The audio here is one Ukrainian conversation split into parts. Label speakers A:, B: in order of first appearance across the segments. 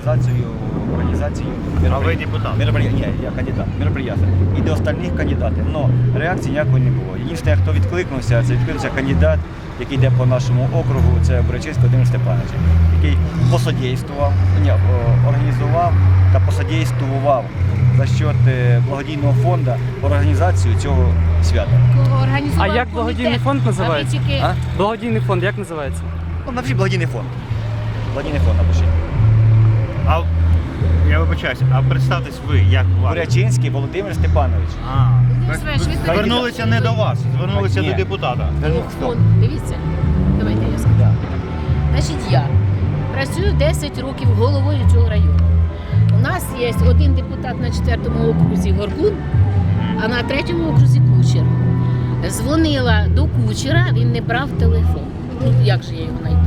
A: организацию
B: А ви депутат?
A: Ні, я кандидат, мероприятия. І до остальних кандидатів. Но реакції ніякої не було. Єдине, хто відкликнувся, це відкликнувся кандидат, який йде по нашому округу, це Бурячинський Володимир Степанович, який організував та посодействував за счет благодійного фонду організацію цього свята.
C: А як благодійний фонд називається?
A: А?
C: Благодійний фонд як називається?
A: Ну, напишіть благодійний фонд. Благодійний фонд напишіть.
B: А я вибачаюсь, а представтесь ви, як вас?
A: Бурячинський Володимир Степанович.
B: Звернулися не до вас, звернулися
A: Ні.
B: до депутата.
D: Фонд, дивіться, давайте я скажу. Значить, я працюю 10 років головою цього району. У нас є один депутат на 4-му окрузі Горкун, а на 3-му окрузі Кучер. Дзвонила до Кучера, він не брав телефон. Ну, як же я його знайду?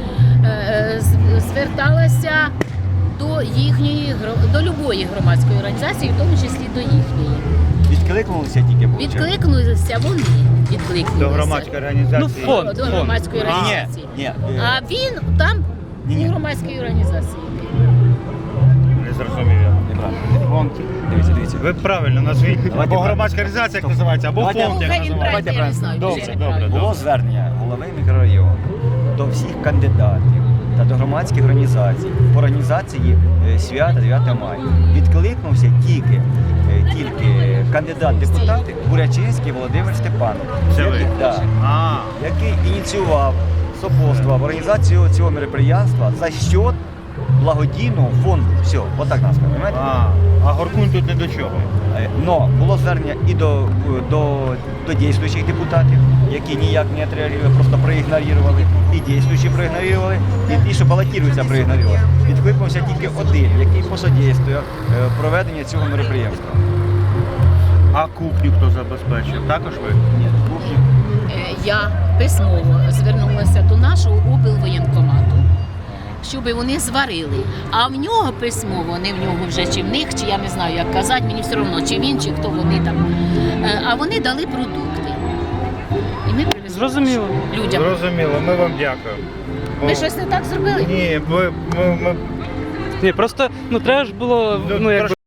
D: Зверталася до їхньої, до любої громадської організації, в тому числі до їхньої.
A: Відкликнулися тільки виходить?
D: Відкликнулися вони. Відкликнулися.
B: До громадської організації.
C: Ну, фонд.
D: До громадської організації.
A: Ні.
D: А він там
A: Ні.
D: у громадській організації.
B: Не зрозумів я.
A: Неправильно. Дивіться.
B: Ви правильно назвіть. Або
A: Давайте
B: громадська організація, як називається, або
A: Давайте.
B: фонд, як
D: Хай він
B: називається.
D: правильно, я не знаю.
B: Добре,
D: чи
B: добре,
D: правильно.
A: Було звернення голови мікрорайону до всіх кандидатів та до громадських організацій по організації свята 9 мая. Відкликнувся тільки кандидат депутати Бурячинський Володимир Степанович,
B: Це ви?
A: який ініціював, сопутствував організацію цього мероприятства за счет благодійного фонду. Все, отак нас, розумієте?
B: А Горкун тут не до чого.
A: Но було звернення і до дійствуючих депутатів, які ніяк не відреагували, просто проігнорували. І дійствуючі проігнорували, і ті, що балотуються, проігнорували. Відкликнувся тільки один, який посодействує проведенню цього мероприємства.
B: А кухню хто забезпечив? Також ви?
A: Ні, кухні.
D: Я письмово звернулася до нашого облвоєнкомату, щоб вони зварили. А в нього письмово, не в нього вже, чи в них, чи я не знаю, як казати, мені все одно, чи він, чи хто вони там. А вони дали продукти. І ми привезли
C: Зрозуміло.
D: людям.
B: Зрозуміло, ми вам дякуємо.
D: Ми щось не так зробили?
B: Ні, ми
C: Ні, просто треба ж було, якби.